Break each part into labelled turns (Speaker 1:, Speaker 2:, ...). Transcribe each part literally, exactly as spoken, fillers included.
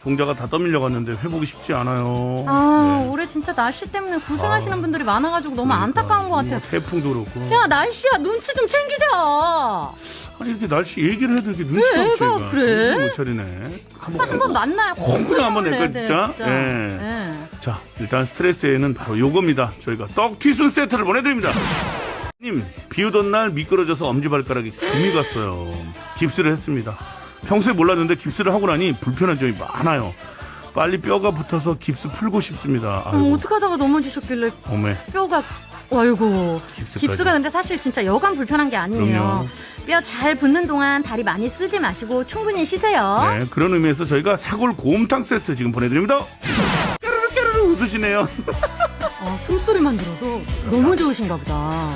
Speaker 1: 동자가 다 떠밀려 갔는데 회복이 쉽지 않아요.
Speaker 2: 아,
Speaker 1: 네.
Speaker 2: 올해 진짜 날씨 때문에 고생하시는
Speaker 1: 아,
Speaker 2: 분들이 많아가지고 너무
Speaker 1: 그러니까,
Speaker 2: 안타까운 것 같아요.
Speaker 1: 뭐 태풍도 그렇고.
Speaker 2: 야, 날씨야, 눈치 좀 챙기자.
Speaker 1: 아니 이렇게 날씨 얘기를 해도 이렇게 눈치가
Speaker 2: 왜
Speaker 1: 없지.
Speaker 2: 애가
Speaker 1: 얘가.
Speaker 2: 그래?
Speaker 1: 정신을 못 차리네. 한번
Speaker 2: 한 번 만나야
Speaker 1: 콩쿠리 한번
Speaker 2: 해야
Speaker 1: 낼까
Speaker 2: 돼,
Speaker 1: 진짜?
Speaker 2: 진짜.
Speaker 1: 예.
Speaker 2: 예.
Speaker 1: 자, 일단 스트레스에는 바로 요겁니다. 저희가 떡튀순 세트를 보내드립니다. 님, 비 오던 날 미끄러져서 엄지발가락에 금이 갔어요. 깁스를 했습니다. 평소에 몰랐는데 깁스를 하고 나니 불편한 점이 많아요. 빨리 뼈가 붙어서 깁스 풀고 싶습니다.
Speaker 2: 어,
Speaker 1: 아이고,
Speaker 2: 어떻게 하다가 넘어지셨길래
Speaker 1: 어메.
Speaker 2: 뼈가, 아이고.
Speaker 1: 깁스까지.
Speaker 2: 깁스가 근데 사실 진짜 여간 불편한 게 아니에요.
Speaker 1: 그럼요.
Speaker 2: 뼈 잘 붙는 동안 다리 많이 쓰지 마시고 충분히 쉬세요.
Speaker 1: 네, 그런 의미에서 저희가 사골 곰탕 세트 지금 보내드립니다. 깨르르 깨르르 웃으시네요.
Speaker 2: 어, 숨소리만 들어도 너무 좋으신가 보다.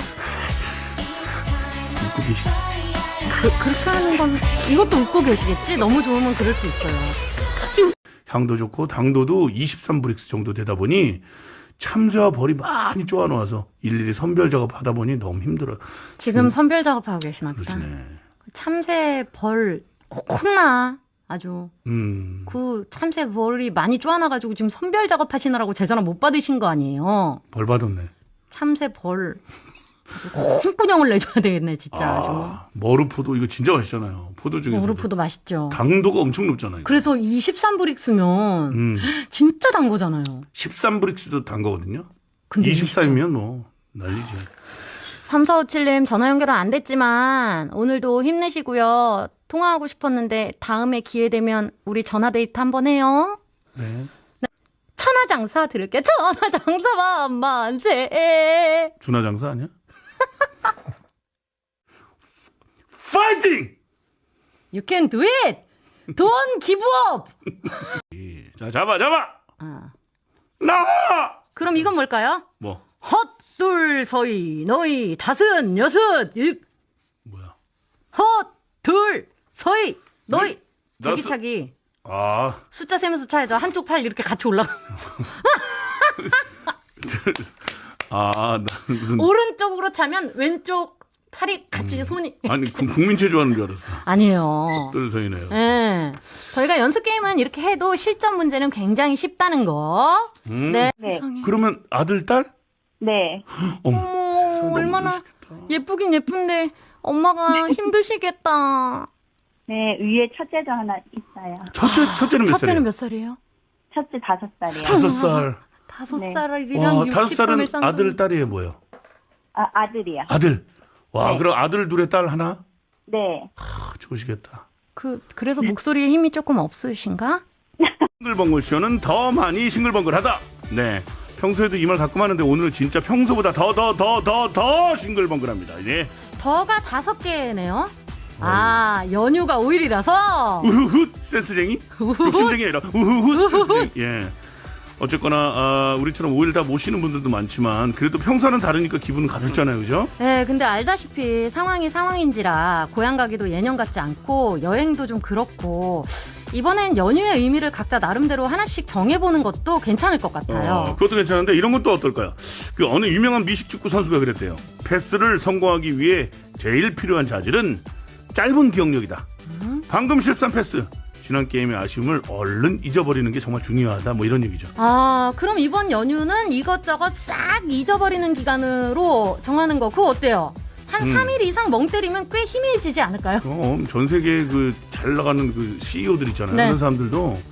Speaker 1: 웃고 계시.
Speaker 2: 그, 그렇게 하는 건 이것도 웃고 계시겠지? 너무 좋으면 그럴 수 있어요. 지금
Speaker 1: 향도 좋고 당도도 이십삼 브릭스 정도 되다 보니 참새와 벌이 많이 쪼아놓아서 일일이 선별 작업하다 보니 너무 힘들어요.
Speaker 2: 지금 선별 작업하고 계시나 보다.
Speaker 1: 그러시네.
Speaker 2: 참새 벌 혼나 아주.
Speaker 1: 음.
Speaker 2: 그 참새 벌이 많이 쪼아나가지고 지금 선별 작업하시느라고 제 전화 못 받으신 거 아니에요?
Speaker 1: 벌 받았네.
Speaker 2: 참새 벌 콩꾸녕을 내줘야 되겠네 진짜. 아주.
Speaker 1: 아, 머루포도 이거 진짜 맛있잖아요. 포도 중에서.
Speaker 2: 오르프도 맛있죠.
Speaker 1: 당도가 엄청 높잖아요.
Speaker 2: 그래서 이십삼 브릭스면
Speaker 1: 음.
Speaker 2: 진짜 단 거잖아요.
Speaker 1: 십삼 브릭스도 단 거거든요.
Speaker 2: 근데
Speaker 1: 이십삼이면 뭐 난리죠.
Speaker 2: 삼사오칠님 전화 연결은 안 됐지만 오늘도 힘내시고요. 통화하고 싶었는데 다음에 기회 되면 우리 전화 데이트 한번 해요.
Speaker 1: 네.
Speaker 2: 천하장사 들을게. 천하장사 만만세.
Speaker 1: 준하장사 아니야? 파이팅!
Speaker 2: You can do it. Don't give up.
Speaker 1: 자, 잡아, 잡아!
Speaker 2: 아.
Speaker 1: 나와!
Speaker 2: 그럼 이건 뭘까요?
Speaker 1: 뭐,
Speaker 2: 헛둘 서이 너희 다섯 여섯 일
Speaker 1: 뭐야.
Speaker 2: 헛둘 서이 너희
Speaker 1: 네, 나
Speaker 2: 제기차기
Speaker 1: 아,
Speaker 2: 숫자 세면서 차야죠. 한쪽 팔 이렇게 같이 올라가.
Speaker 1: 아, 나 무슨.
Speaker 2: 오른쪽으로 차면 왼쪽 팔이 같이 손이.
Speaker 1: 아니, 국- 국민체 좋아하는 줄 알았어.
Speaker 2: 아니에요.
Speaker 1: 뜰서이네요.
Speaker 2: 예. 저희가 연습 게임은 이렇게 해도 실전 문제는 굉장히 쉽다는 거.
Speaker 1: 음.
Speaker 2: 네.
Speaker 3: 네.
Speaker 2: 세상에.
Speaker 1: 그러면 아들, 딸?
Speaker 3: 네.
Speaker 1: 어머,
Speaker 2: 어머,
Speaker 1: 세상에 너무
Speaker 2: 얼마나
Speaker 1: 좋으시겠다.
Speaker 2: 예쁘긴 예쁜데 엄마가 힘드시겠다.
Speaker 3: 네, 위에 첫째도 하나 있어요.
Speaker 1: 첫째, 첫째는 몇
Speaker 2: 첫째는
Speaker 1: 살이에요?
Speaker 2: 몇 살이에요?
Speaker 3: 첫째 다섯 살이에요.
Speaker 1: 다섯 살.
Speaker 2: 다섯
Speaker 3: 네.
Speaker 2: 살이랑
Speaker 1: 와,
Speaker 2: 육십
Speaker 1: 다섯 살은
Speaker 2: 삼일
Speaker 1: 아들, 딸이에요, 뭐예요?
Speaker 3: 아, 아들이요.
Speaker 1: 아들. 와,
Speaker 3: 네.
Speaker 1: 그럼 아들 둘에 딸 하나?
Speaker 3: 네.
Speaker 1: 아, 좋으시겠다.
Speaker 2: 그 그래서 목소리에 힘이 조금 없으신가?
Speaker 1: 싱글벙글 쇼는 더 많이 싱글벙글하다. 네. 평소에도 이 말 가끔 하는데 오늘은 진짜 평소보다 더 더 더 더 더 싱글벙글합니다. 이제
Speaker 2: 더가 다섯 개네요. 아, 연휴가 오 일이라서.
Speaker 1: 우후훗 센스쟁이? 욕심쟁이 아니라 우후훗 센스쟁이. 예. 어쨌거나 아, 우리처럼 오 일 다 못 쉬는 분들도 많지만 그래도 평소와는 다르니까 기분은 가볍잖아요, 그죠?
Speaker 2: 네, 근데 알다시피 상황이 상황인지라 고향 가기도 예년 같지 않고 여행도 좀 그렇고 이번엔 연휴의 의미를 각자 나름대로 하나씩 정해보는 것도 괜찮을 것 같아요.
Speaker 1: 어, 그것도 괜찮은데 이런 건 또 어떨까요? 그 어느 유명한 미식축구 선수가 그랬대요. 패스를 성공하기 위해 제일 필요한 자질은 짧은 기억력이다.
Speaker 2: 음?
Speaker 1: 방금 실수한 패스, 지난 게임의 아쉬움을 얼른 잊어버리는 게 정말 중요하다. 뭐 이런 얘기죠.
Speaker 2: 아, 그럼 이번 연휴는 이것저것 싹 잊어버리는 기간으로 정하는 거 그거 어때요? 한
Speaker 1: 음.
Speaker 2: 삼 일 이상 멍 때리면 꽤 희미해지지 않을까요?
Speaker 1: 어, 전 세계 그 잘 나가는 그 씨이오들 있잖아요.
Speaker 2: 네.
Speaker 1: 그런 사람들도